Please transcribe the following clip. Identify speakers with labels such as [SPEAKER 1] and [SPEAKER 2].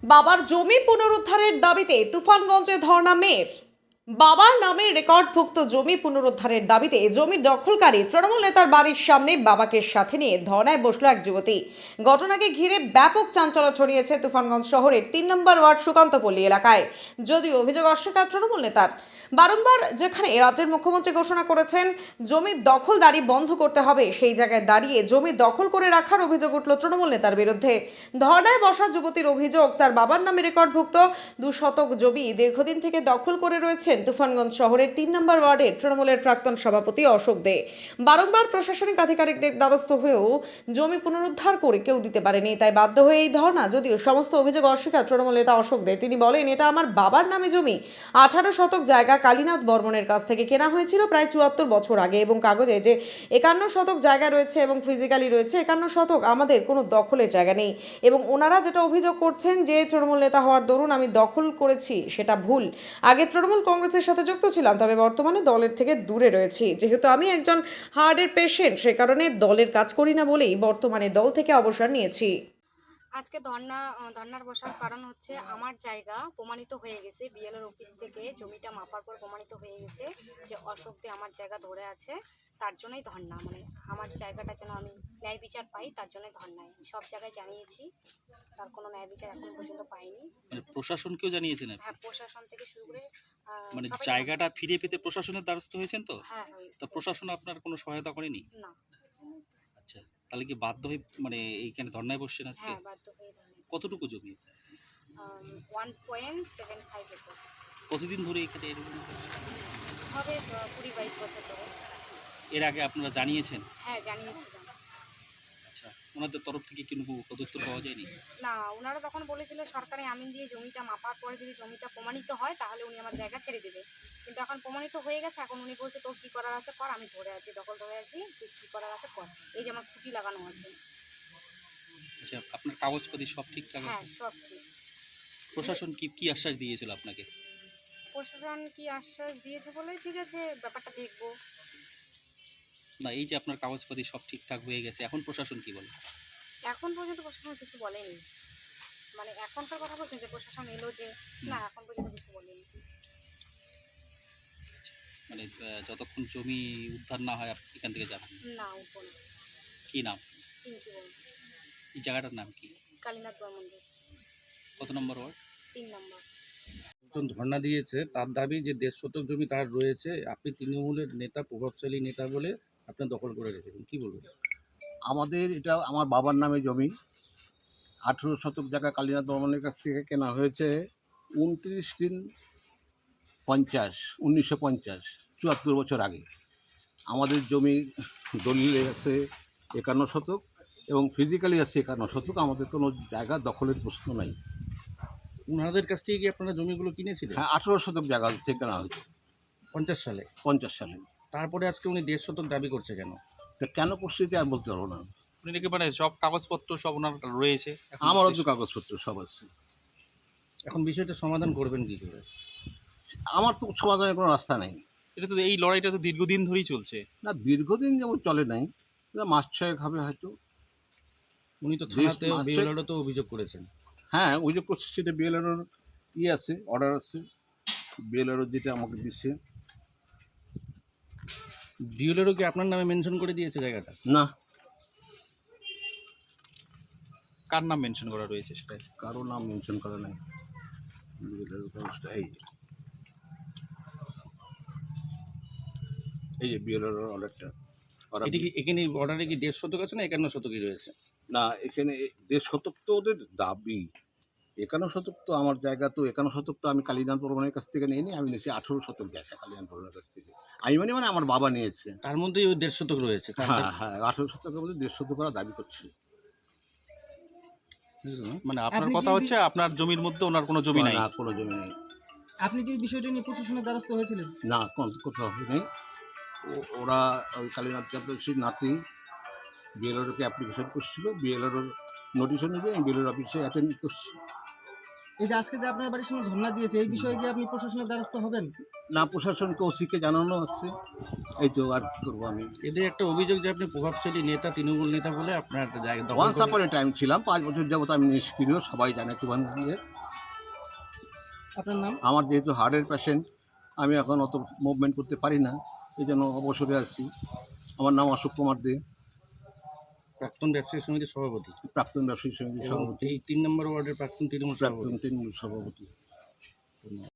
[SPEAKER 1] বাবার জমি পুনরুদ্ধারের দাবিতে তুফানগঞ্জে ধর্ণা মেয়ের। বাবার নামে রেকর্ডভুক্ত জমি পুনরুদ্ধারের দাবিতে জমি দখলকারী তৃণমূল নেতার বাড়ির সামনে বাবাকে সাথে নিয়ে ধর্ণায় বসল এক যুবতী। ঘটনাকে ঘিরে ব্যাপক চাঞ্চল্য ছড়িয়েছে তুফানগঞ্জ শহরের ৩ নম্বর ওয়ার্ড সুকান্তপল্লী এলাকায়। যদিও অভিযোগ অস্বীকার তৃণমূল নেতার। বারংবার যেখানে রাজ্যের মুখ্যমন্ত্রী ঘোষণা করেছেন জমির দখলদারি বন্ধ করতে হবে, সেই জায়গায় দাঁড়িয়ে জমি দখল করে রাখার অভিযোগ উঠল তৃণমূল নেতার বিরুদ্ধে। ধর্ণায় বসা যুবতীর অভিযোগ, তার বাবার নামে রেকর্ডভুক্ত 2 শতক জমি দীর্ঘদিন থেকে দখল করে রয়েছেন তুফানগঞ্জ শহরের 3 নম্বর ওয়ার্ডের তৃণমূলের প্রাক্তন সভাপতি অশোক দে। বারংবার প্রশাসনিক আধিকারিকদের দ্বারস্থ হয়েও জমি পুনরুদ্ধার করে কেউ দিতে পারেনি, তাই বাধ্য হয়ে এই ধর্ণা। যদিও সমস্ত অভিযোগ অস্বীকার তৃণমূল নেতা অশোক দে। তিনি বলেন, এটা আমার বাবার নামে জমি। 18 শতক জায়গা কালীনাথ বর্মনের কাছ থেকে কেনা হয়েছিল প্রায় 74 বছর আগে, এবং কাগজে যে 51 শতক জায়গা রয়েছে এবং ফিজিক্যালি রয়েছে 51 শতক, আমাদের কোনো দখলের জায়গা নেই। এবং ওনারা যেটা অভিযোগ করছেন যে তৃণমূল নেতা হওয়ার দরুন আমি দখল করেছি, সেটা ভুল। আগে তৃণমূল কংগ্রেসের সাথে যুক্ত ছিলাম, তবে বর্তমানে দলের থেকে দূরে রয়েছি। যেহেতু আমি একজন হার্টের পেশেন্ট, সে কারণে দলের কাজ করি না বলেই বর্তমানে দল থেকে অবসর নিয়েছি।
[SPEAKER 2] আজকে ধর্নার বসার কারণ হচ্ছে আমার জায়গা প্রমাণিত হয়ে গেছে, বিএলআর অফিস থেকে জমিটা মাপার পর প্রমাণিত হয়ে গেছে যে অশোক দে আমার জায়গা ধরে আছে। তার জন্যই ধর্না, মানে আমার জায়গাটা যেন আমি ন্যায় বিচার পাই, তার জন্যই ধর্নায় সব জায়গায় জানিয়েছি। তার কোনো ন্যায় বিচার এখন পর্যন্ত পাইনি।
[SPEAKER 3] মানে প্রশাসনকেও জানিয়েছেন আপনি?
[SPEAKER 2] হ্যাঁ, প্রশাসন থেকে শুরু করে
[SPEAKER 3] মানে
[SPEAKER 2] সবাই
[SPEAKER 3] জায়গাটা ফিরে পেতে প্রশাসনের দ্বারস্থ হয়েছেন তো?
[SPEAKER 2] হ্যাঁ হ্যাঁ।
[SPEAKER 3] তা প্রশাসন আপনার কোনো সহায়তা করেনি?
[SPEAKER 2] না।
[SPEAKER 3] আচ্ছা, তাহলে কি বাধ্য হয়ে মানে এইখানে ধর্নায় বসছেন আজকে?
[SPEAKER 2] হ্যাঁ, বাধ্য হয়ে ধর্নায়।
[SPEAKER 3] কতটুকু জমি?
[SPEAKER 2] 1.75 একর।
[SPEAKER 3] কতদিন ধরে এখানে এরকম হচ্ছে?
[SPEAKER 2] হবে 20-22 বছর ধরে।
[SPEAKER 3] এর আগে আপনারা জানিয়েছেন?
[SPEAKER 2] হ্যাঁ, জানিয়েছিলাম।
[SPEAKER 3] আচ্ছা, ওনাদের তরফ থেকে কোনো পদক্ষেপ পাওয়া যায়নি?
[SPEAKER 2] না, ওনারা তখন বলেছিল সরকারি আমিন দিয়ে জমিটা মাপার পরে যদি জমিটা প্রমাণিত হয় তাহলে উনি আমার জায়গা ছেড়ে দেবে। কিন্তু এখন প্রমাণিত হয়ে গেছে, এখন উনি বলছে তোর কী করার আছে কর, আমি ধরে আছি, দখল ধরে আছি, তুই কী করার আছে কর। এই যে আমার খুঁটি লাগানো আছে।
[SPEAKER 3] আচ্ছা, আপনার কাগজপাতি সব ঠিকঠাক
[SPEAKER 2] হ্যাঁ,
[SPEAKER 3] আছে?
[SPEAKER 2] সব ঠিক।
[SPEAKER 3] প্রশাসন কি আশ্বাস দিয়েছিল আপনাকে?
[SPEAKER 2] প্রশাসন কি আশ্বাস দিয়েছে বলে ঠিক আছে, ব্যাপারটা দেখবো।
[SPEAKER 3] না, এই যে আপনার কাগজপাতি সব ঠিকঠাক হয়ে গেছে, এখন প্রশাসন কি বলে?
[SPEAKER 2] এখন পর্যন্ত প্রশাসন কিছু বলেনি। মানে এখনকার কথা বলছেন যে প্রশাসন এলো যে, না এখন পর্যন্ত কিছু বলেনি।
[SPEAKER 3] মানে যতক্ষণ জমি উদ্ধার না হয় আপনি এখান থেকে যাবেন
[SPEAKER 2] না, উঠবো না।
[SPEAKER 3] কি নাম?
[SPEAKER 2] কিন্তু বলবো
[SPEAKER 3] এই জায়গাটার নাম কি?
[SPEAKER 2] কালীনাথ বর্মন্দির,
[SPEAKER 3] কত নম্বর ওয়ার্ড?
[SPEAKER 2] 3 নম্বর।
[SPEAKER 4] একজন ধর্ণা দিয়েছে, তার দাবি যে 1.5 শতক জমি তার রয়েছে, আপনি তৃণমূলের নেতা, প্রভাবশালী নেতা বলে আপনি দখল করে রেখেছেন, কি বলবেন?
[SPEAKER 5] আমাদের এটা আমার বাবার নামে জমি। 18 শতক জায়গা কালীনাথ বর্মনের কাছ থেকে কেনা হয়েছে 29/3/50, 1950, 74 বছর আগে। আমাদের জমি দলিলে আছে 51 শতক এবং ফিজিক্যালি আছে 51 শতক। আমাদের কোনো জায়গা দখলের প্রশ্ন নাই।
[SPEAKER 4] ওনাদের কাছ থেকে কি আপনারা জমিগুলো কিনেছিলেন?
[SPEAKER 5] হ্যাঁ, 18 শতক জায়গা থেকে কেনা হয়েছে
[SPEAKER 4] 50 সালে।
[SPEAKER 5] 50 সালে।
[SPEAKER 4] তারপরে আজকে উনি 1.5 শতক দাবি করছে কেন?
[SPEAKER 5] তা কেন পরিস্থিতি আমি বলতে পারবো না।
[SPEAKER 3] উনি নাকি মানে সব কাগজপত্র সব ওনার রয়েছে?
[SPEAKER 5] আমারও তো কাগজপত্র সব আছে।
[SPEAKER 4] এখন বিষয়টা সমাধান করবেন কি করে?
[SPEAKER 5] আমার তো সমাধানের কোনো রাস্তা নেই।
[SPEAKER 3] এটা তো এই লড়াইটা তো দীর্ঘদিন ধরেই চলছে।
[SPEAKER 5] না, দীর্ঘদিন যেমন চলে নাই, মাস ছয়েক হবে হয়তো।
[SPEAKER 4] উনি তো থানাতে
[SPEAKER 5] মাত্র-
[SPEAKER 4] বিএলআরও তো অভিযোগ করেছেন।
[SPEAKER 5] হ্যাঁ, অভিযোগ করছে, সেটা বিএলআরওর আছে, অর্ডার আছে। বিএলআরও যেটা আমাকে দিচ্ছে।
[SPEAKER 4] বিএলআরও কি আপনার নামে মেনশন করে দিয়েছে জায়গাটা?
[SPEAKER 5] না,
[SPEAKER 3] কার নাম মেনশন করা রয়েছে সেটা?
[SPEAKER 5] কারো নাম মেনশন করা নাই। বিএলআরও কাগজটা এই যে বিএলআরওর অর্ডারটা।
[SPEAKER 4] এটা কি এখানে অর্ডারে কি 1.5 শতক আছে না 51 শতকই রয়েছে?
[SPEAKER 5] না, এখানে 1.5 শতক তো ওদের দাবি। 51 শতক তো আমার জায়গা, তো 51 শতক তো আমি কালীনাথ বর্মনের কাছ থেকে নিইনি, আমি নিয়েছি 18 শতক জায়গা কালীনাথ বর্মনের কাছ থেকে। আমি মানে আমার বাবা নিয়েছে।
[SPEAKER 4] তার মধ্যেই ওই 1.5 শতক রয়েছে।
[SPEAKER 5] হ্যাঁ হ্যাঁ, 18 শতকের মধ্যে 1.5 শতক করা দাবি করছে।
[SPEAKER 3] মানে আপনার কথা হচ্ছে আপনার জমির মধ্যে ওনার কোনো জমি নাই?
[SPEAKER 5] না, কোনো জমি নেই।
[SPEAKER 6] আপনি কি বিষয়টা নিয়ে প্রশাসনের দ্বারস্থ হয়েছিলেন?
[SPEAKER 5] না, কোথাও নেই। ওরা ওই কালীনাথ চ্যাটার্জির নাতি বিএলআরওকে অ্যাপ্লিকেশন করছিল, বিএলআরওর নোটিশ অনুযায়ী আমি বিএলআর অফিসে অ্যাটেন্ড করছি।
[SPEAKER 6] এই যে আজকে যে আপনার বাড়ির সামনে ধর্ণা দিয়েছে, এই বিষয়ে কি আপনি প্রশাসনের দ্বারস্থ হবেন?
[SPEAKER 5] না, প্রশাসনকে ওসিকে জানানো হচ্ছে। এই তো, আর কী করবো আমি।
[SPEAKER 4] এদের একটা অভিযোগ যে আপনি প্রভাবশালী নেতা, তৃণমূল নেতা বলে আপনার জায়গা দখল
[SPEAKER 5] ওয়ান্স
[SPEAKER 4] করে।
[SPEAKER 5] আপন এ টাইম ছিলাম, 5 বছর যাবত আমি নিষ্ক্রিয়, সবাই জানে তুফানগঞ্জে।
[SPEAKER 6] আপনার নাম?
[SPEAKER 5] আমার যেহেতু হার্টের পেশেন্ট, আমি এখন অত মুভমেন্ট করতে পারি না, এই জন্য অবসরে আছি। আমার নাম অশোক কুমার দে,
[SPEAKER 4] প্রাক্তন ব্যবসায়ী সমিতির সভাপতি
[SPEAKER 5] প্রাক্তন ব্যবসায়ী সমিতির
[SPEAKER 4] এবং
[SPEAKER 5] সভাপতি,
[SPEAKER 4] এই 3 নম্বর ওয়ার্ডের প্রাক্তন তৃণমূল
[SPEAKER 5] প্রাক্তন
[SPEAKER 4] সভাপতি।
[SPEAKER 5] তৃণমূল সভাপতি।
[SPEAKER 4] ধন্যবাদ।